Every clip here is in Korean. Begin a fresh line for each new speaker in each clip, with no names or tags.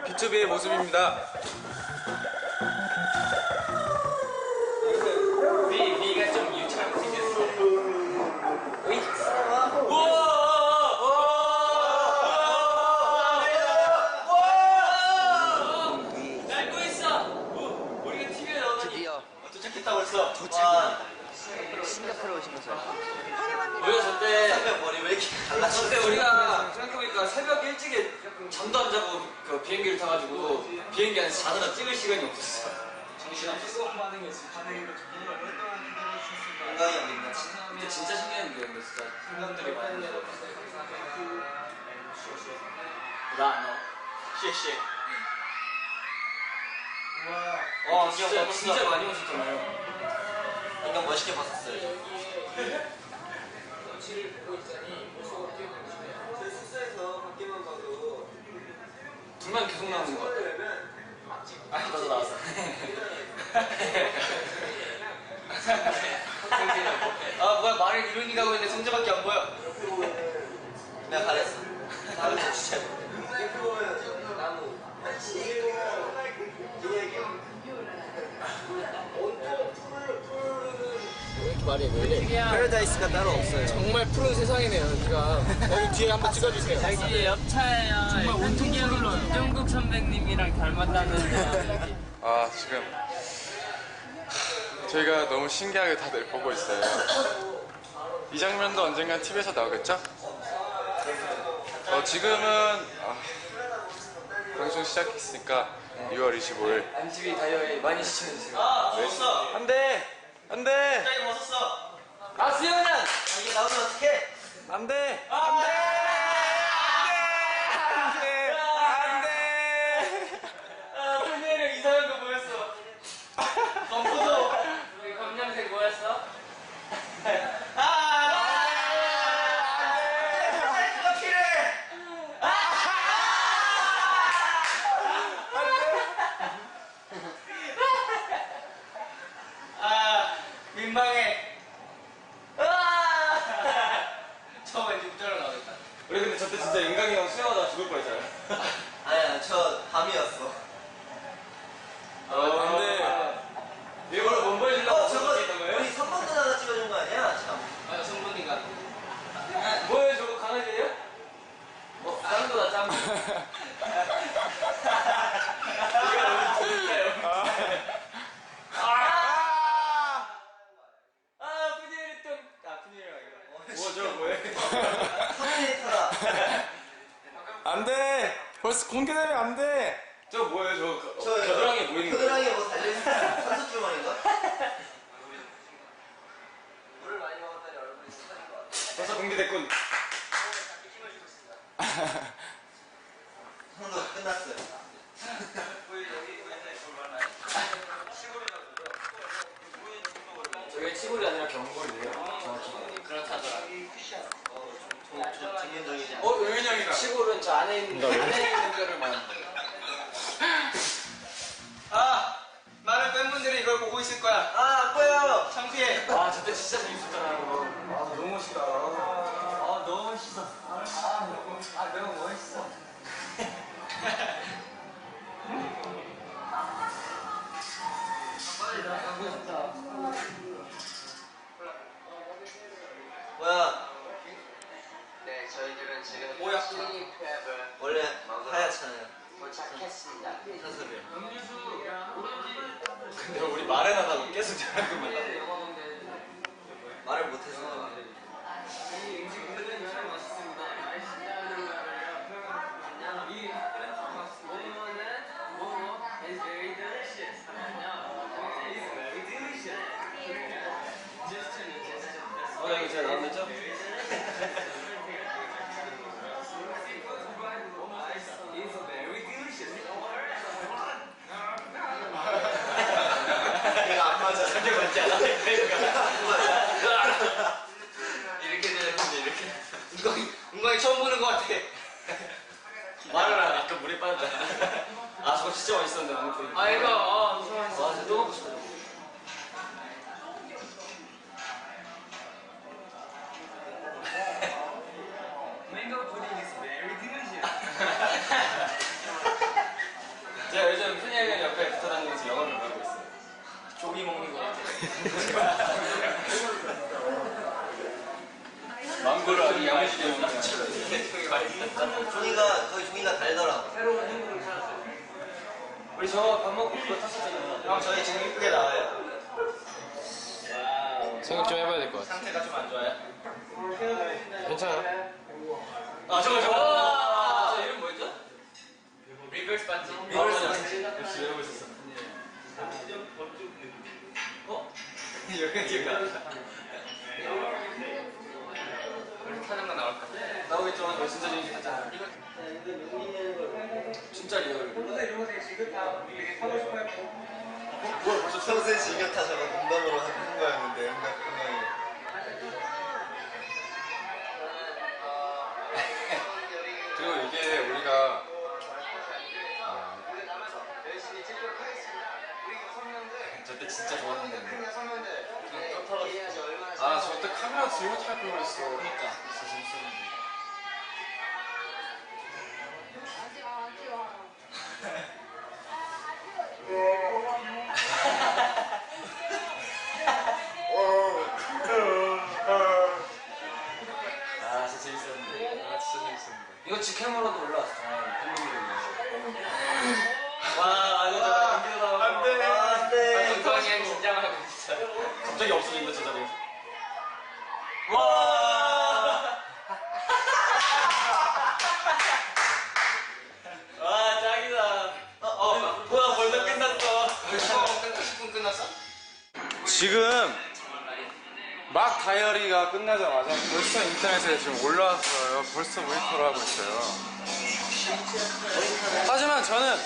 B2B의 모습입니다.
네가 좀 유치하게 생겼어. 어이? 날고 있어. 우리가 TV에 나오더니 도착했다고 했어.
싱가포르 오신 거죠?
우리가 저때
새벽 머리 왜 이렇게 갈라져?
저때 우리가 생각해보니까 새벽 일찍에 잠도 안 자고 그 비행기를 타가지고 비행기 안에서 자느라 찍을 시간이 없었어. 정신없었어.
건강이 어딨나?
근데 진짜 신기한 게 근데 진짜 생각들이 많이 들어. 나안 나와.
쉐쉐.
와 진짜 많이 오셨잖아요.
인간 멋있게 봤었어요. 저희 숙소에서 밖에만 봐도
둘만 계속 나오는 거 같아. 나도 나왔어. 아 뭐야 말을 이룬이 가고 있는데 성재밖에 안 보여.
내가 가렸어. 가렸어 진짜. 나무.
왜 이렇게 말해 왜 이래?
패러다이스가 따로 없어요.
정말 푸른 세상이네요 여기가. 여기 뒤에 한번 찍어주세요.
여기 옆차예요. 정말 온통이 흘러요. 이종국 선배님이랑 닮았다는.
아, 지금 저희가 너무 신기하게 다들 보고 있어요. 이 장면도 언젠간 TV에서 나오겠죠? 지금은 방송 시작했으니까 6월 25일.
MTV 다이어리 많이 시청해주세요.
아 벗었어.
안돼! 안돼!
갑자기 벗었어.
아 수영장!
이게 나오면 어떡해?
안돼!
안돼.
아 선배님 이상한 거 보였어. 검포도 우리 검정색 뭐였어? 민망해. 저 왠지 웃자로 나오겠다. 우리 근데 저때 진짜 인강이 형 수영하다가 죽을 뻔했잖아요.
아니야 저 밤이었어.
근데 일부러 몸 보여주려고
저거
있던 거예요?
우리 선반 누나가 찍어준 거 아니야? 참.
맞아 성분이가. 뭐예요 저거 강아지예요? 다른 거다 짱. 이거 너무 재밌어요. 푸니엘 좀. 푸니엘이라 이거. 뭐 저거 뭐예요?
터미네이터다.
안돼! 벌써 공개되면 안돼!
저거 뭐예요
저
겨드랑이에 보이는 거.
겨드랑이에 뭐 달려있는 산소 주머니인가? 물을 많이 먹었더니 얼굴이 쏟아진 것 같아.
벌써 공개됐군.
형도 끝났어요.
저게 치골이 아니라 경골이래요. 정확히. 그렇다더라.
김현정이지.
의윤 형이다. 치골은 저 안에 있는 뼈를 말하는 거예요. 많은 팬분들이 이걸 보고 있을 거야.
안 보여.
창피해. 저때 진짜 재밌었잖아요. 너무 멋있다. 너무 멋있어. 너무 멋있어.
뭐야?
네, 저희들은 지금
뭐야?
슬리프앱을
원래 하얗잖아요.
도착했습니다.
사슬을.
근데 우리 말은 안 하고 계속 저렇게만 나.
말을 못해서.
이거 제가 나왔죠?
이거 안 맞아.
저게 맞지 않아?
이렇게 되는데 이렇게.
은광이 처음 보는 것 같아. 말을 안 해. 아까 물에 빠졌잖아. 저거 진짜 맛있었는데 안 보이네.
이거
진짜 또 먹고 싶다.
Mango pudding is very delicious.
망고를 아주 야무지게 먹는
종이가 거의 종이가 달더라고.
우리 저 밥 먹고 그거 탔었잖아요.
형 저희 지금 이쁘게 나와요?
생각 좀 해봐야 될 것 같아.
상태가 좀 안 좋아요?
괜찮아.
아 저거 저 이름 뭐였죠?
리버스 반지.
리버스 반지. 역시 외우고 있었어. 어? 여기 기억 안 나.
하는 거 나올까?
나오겠죠. 너 진짜 재밌게 봤잖아. 진짜 리얼.
뭐야 벌써 평소에 즐겨 타자고 농담으로 하는 거였는데 그냥
그리고 이게 우리가
저때 진짜 좋았는데.
아 저때 카메라 들고 탈 걸 그랬어.
그러니까 진짜 재밌었는데. 아 진짜 재밌었는데.
아 진짜 재밌었는데.
이거 직캠으로도 올라왔어. 팬분들이. 와 이거 안 되다.
안돼
아,
안돼.
동성이 긴장하고 있어.
갑자기 없어진다 저 자리에서. 와. 와 짱이다. 뭐야 벌써 끝났어.
10분 끝났어?
지금 막 다이어리가 끝나자마자 벌써 인터넷에 지금 올라왔어요. 벌써 모니터를 하고 있어요. 하지만 저는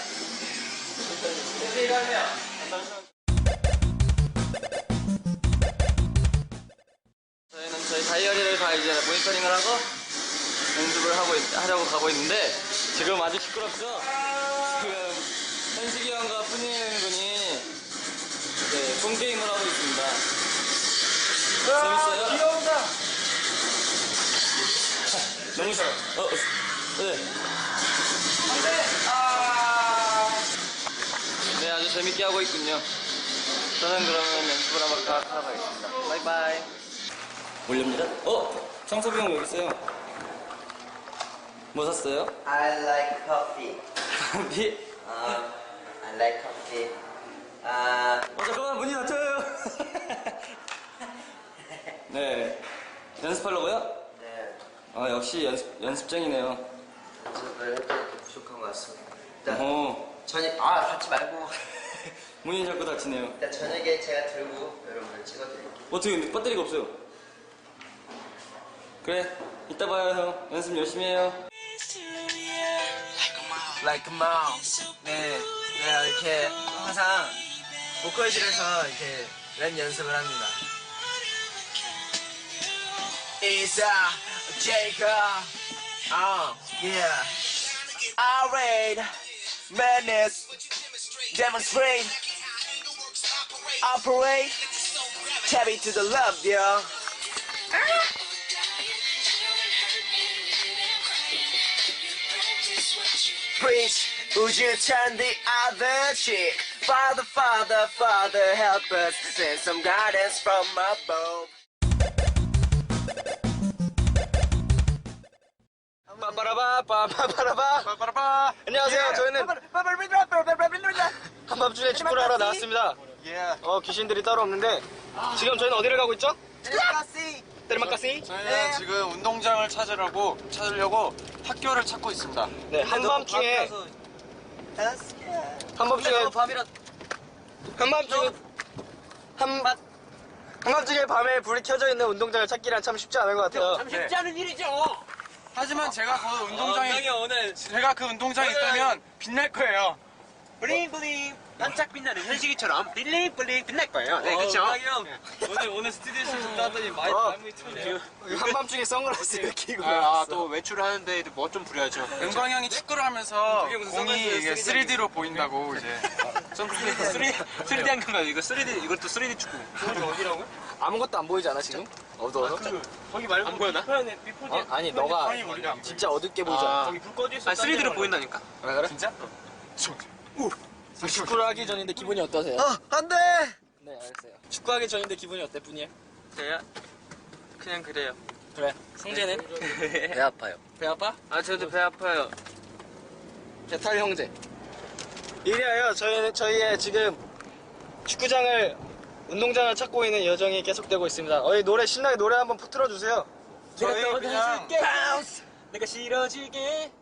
저희는 저희 다이어리를 다 이제 모니터링을 하고 연습을 하려고 가고 있는데 지금 아주 시끄럽죠? 지금 현식이 형과 푸니엘 군이 이제 폰게임을 하고 있습니다. 재밌어요?
귀여운다.
너무 싫어. 네. 네, 아주 재밌게 하고 있군요. 저는 그러면 연습을 한번 하러 가겠습니다. 바이바이. 올립니다. 창섭이 형 여기 있어요. 뭐 샀어요?
I like coffee.
비?
I like coffee.
잠깐만 문이 닫혀요. 네. 연습하려고요?
네.
역시 연습쟁이네요.
연습을 했더니 좀 부족한 것 같습니다. 일단
어.
닫지 말고.
문이 자꾸 닫히네요.
일단 저녁에 제가 들고 여러분을 찍어드릴게요.
어떻게 근데 배터리가 없어요? 그래, 이따 봐요 형. 연습 열심히 해요.
Like a mom. 네, 내가 이렇게 항상 보컬실에서 이렇게 랩 연습을 합니다. It's a Jacob. Yeah. Irate, madness, demonstrate, operate, tap into the love, yo. Preach, would you turn the other cheek? Father, Father, Father, help us, send some guidance from above.
빠빠라바. 안녕하세요. 저희는 한밤중에 축구를 하러 나왔습니다. 귀신들이 따로 없는데 지금 저희는 어디를 가고 있죠? 테르마카시.
저희는 지금 운동장을 찾으려고 학교를 찾고 있습니다.
네, 한밤중에 한밤중에 밤에 불이 켜져 있는 운동장을 찾기란 참 쉽지 않은 것 같아요.
쉽지
않은 일이죠.
하지만 제가 그 운동장에
오늘
제가 그 운동장에 있다면 빛날 거예요.
블링블링 반짝 빛나는 현식이처럼 블링블링 빛날 거예요. 네, 그렇죠.
오늘 스튜디오에서 왔더니 많이 틀려요. 한밤중에 선글라스를 끼고
또 외출을 하는데 뭐 좀 부려야죠.
은광이 형이 축구를 하면서
그게 무슨
공이 이게
선글라스예요?
3D로 보인다고 이제.
3D 한경 이거 3D 이것도 3D 축구.
어디라고? 아무것도 안 보이지 않아 지금? 어두워서?
거기 말고 안 보여나?
아니 너가 진짜 어둡게 보이잖아.
거기 불 꺼져 있어. 3D로 보인다니까.
아 그래? 진짜? 축구를 하기 전인데 기분이 어떠세요?
안 돼!
네, 알겠어요. 축구하기 전인데 기분이 어때, 분이엘?
저요? 그냥 그래요.
그래. 성재는?
배 아파요.
배 아파?
아 저도 배 아파요.
배탈 형제. 이리하여 저희의 지금 축구장을 운동장을 찾고 있는 여정이 계속되고 있습니다. 노래 신나게 노래 한번 틀어주세요.
내가 떠나줄게. 내가 싫어질게.